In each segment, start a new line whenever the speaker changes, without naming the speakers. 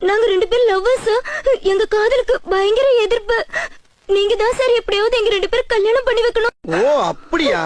நாங்க 2 பேரும் லவ்வர்ஸ். எங்க காதலுக்கு பயங்கர எதிர்ப்பு. நீங்க தான் சார் எப்படியாவது எங்க 2 பேரும் கல்யாணம் பண்ணி வைக்கணும்.
ஓ அப்படியா?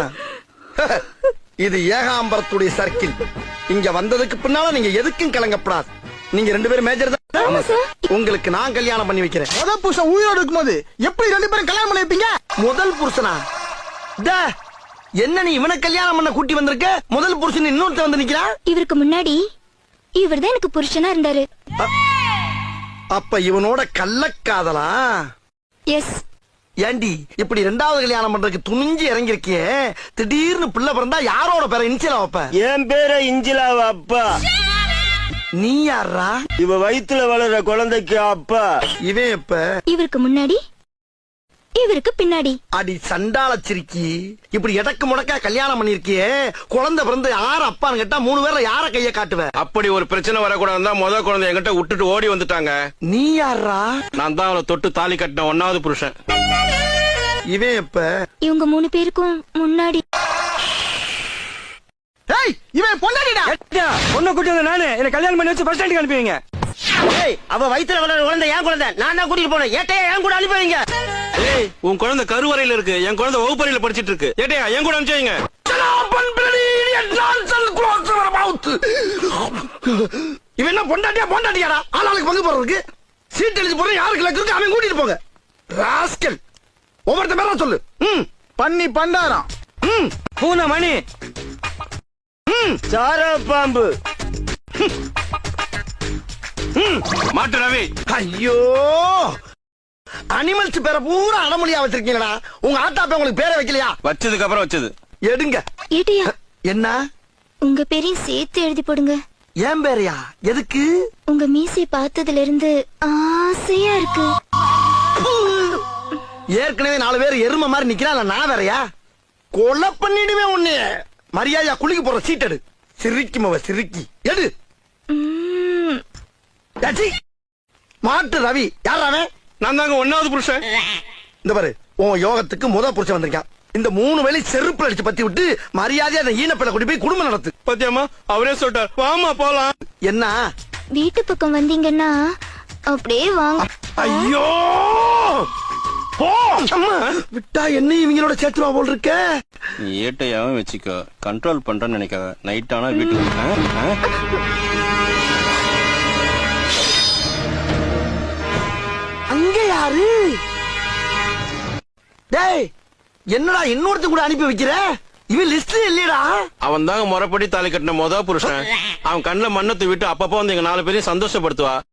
இது ஏகாம்பரத்துடைய சர்க்கிள். இங்க வந்ததுக்கு பின்னால நீங்க எதுக்கும் கலங்கப்படாது. நீங்க 2 பேரும் மேஜர் தான். உங்களுக்கு நான் கல்யாணம் பண்ணி வைக்கிறேன்.
முதல் புருஷன் உயிரோடு இருக்கும்போது எப்படி 2 பேரும் கல்யாணம் பண்ணி வைப்பீங்க?
முதல் புருஷனா? என்ன நீ இவனை கல்யாணம் பண்ண கூட்டி வந்திருக்க? முதல் புருஷன் இன்னொருத்த வந்து நிக்கிறான்.
இவருக்கு முன்னாடி இவர்தான் எனக்கு புருஷனா இருந்தாரு.
அப்ப இவனோட கள்ளக்காதலா?
எஸ்.
ஏண்டி இப்படி 2வது கல்யாணம் பண்றதுக்கு துணிஞ்சு இறங்கிருக்கியே, திடீர்னு பிள்ளை பிறந்தா யாரோட பேரை இன்சிலா வைப்ப?
என் பேரை இஞ்சிலாவ அப்பா.
நீ யாரா?
இவ வயித்துல வளர்ற குழந்தைக்கு அப்பா.
இவன் எப்ப?
இவருக்கு முன்னாடி இவருக்கு பின்னாடி.
அடி சண்டால சிரிக்கி, இப்படி எடக்கு முடக்கா கல்யாணம் பண்ணிருக்கியே, குழந்தை பிறந்து யார அப்பான்னு கேட்டா 3 பேர்ல யார கைய காட்டுவ?
அப்படி ஒரு பிரச்சனை வரக்கூடாது தான் முத குழந்தை என்கிட்ட விட்டுட்டு ஓடி வந்துட்டாங்க.
நீ யாரா?
நான் தான் அவளை தொட்டு தாலி கட்டின 1வது புருஷன்.
இவன் எப்ப?
இவங்க 3 பேருக்கும் முன்னாடி.
ஏய், இவன் பொண்டாட்டிடா.
பொண்ணை கூட்டி வந்த நானு என்ன கல்யாணம் பண்ணி வச்சு பஸ் ஸ்டாண்டுக்கு அனுப்புவீங்க. அவ வயித்துல வளர்ற குழந்தை என் குழந்தை. நான் தான் கூட்டிட்டு போனேன். ஏட்டையா என் கூட அனுப்புவீங்க.
ஏய், உன் குழந்தை கருவறையில இருக்கு, என் குழந்தை வகுப்பறையில படிச்சிட்டு இருக்கு. ஏட்டையா என் கூட அனுப்பிச்சீங்க.
இவன் என்ன பொண்டாட்டியா? பொண்டாட்டியாடா? ஆளாளுக்கு பங்கு போறதுக்கு சீட் எழுதி போற யாருக்கு லக்கு இருக்கு அவன் கூட்டிட்டு போங்க. ராஸ்கல், ஒவ்வொருத்த பேரா சொல்லு.
பண்ணி பண்டாரம்.
பூனை மணி. சார பாம்பு.
மாட்டு ரவி.
ஐயோ, அனிமல்ஸ் பேரை பூரா அடமொழியா வச்சிருக்கீங்களா? உங்க ஆட்டாப்ப உங்களுக்கு பேரை வைக்கலையா?
வச்சதுக்கு அப்புறம் வச்சது.
எடுங்க.
ஏட்டியா,
என்ன?
உங்க பேரையும் சேர்த்து எழுதி போடுங்க.
ஏன் பேரையா? எதுக்கு?
உங்க மீசையை பார்த்ததுல இருந்து ஆசையா இருக்கு.
ஏற்கனவே 4 பேர் எருமை மாதிரி நிக்கிறான், நான் வேறையா? கொலை பண்ணிடுவேன் உன்னைய. மரியாதையா குளிக்க போற சீட் எடு. சிரிக்கி மவ சிரிக்கி எடு. ஏச்சி, மாட்டு ரவி யார் அவன்?
நான் தாங்க 1வது புருஷன்.
இந்த பாரு, உன் யோகத்துக்கு முத புருஷன் வந்திருக்கான். இந்த 3 வேளை செருப்புல அடிச்சு பத்தி விட்டு மரியாதையா அந்த ஈனப்பட கூட்டி போய் குடும்பம் நடத்து.
பத்தியம்மா அவரே சொல்லிட்டார், வாமா போலாம்.
என்ன?
வீட்டு பக்கம் வந்தீங்கன்னா அப்படியே வாங்க.
ஐயோ, போ. அம்மா, விட்டா என்ன இவங்களோட சேர்த்துவா போல் இருக்க.
நீ ஏட்டையாவும் வச்சுக்கோ, கண்ட்ரோல் பண்றேன்னு நினைக்காத. நைட் ஆனா வீட்டுக்கு
அங்க யாரு? டேய், என்னடா இன்னொருத்த கூட அனுப்பி வைக்கிற? இவன் லிஸ்ட் இல்லையடா.
அவன் தாங்க முறைப்படி தாலி கட்டின முத புருஷன். அவன் கண்ணுல மண்ணத்தை விட்டு அப்பப்போ வந்து எங்க 4 பேரையும் சந்தோஷப்படுத்துவா.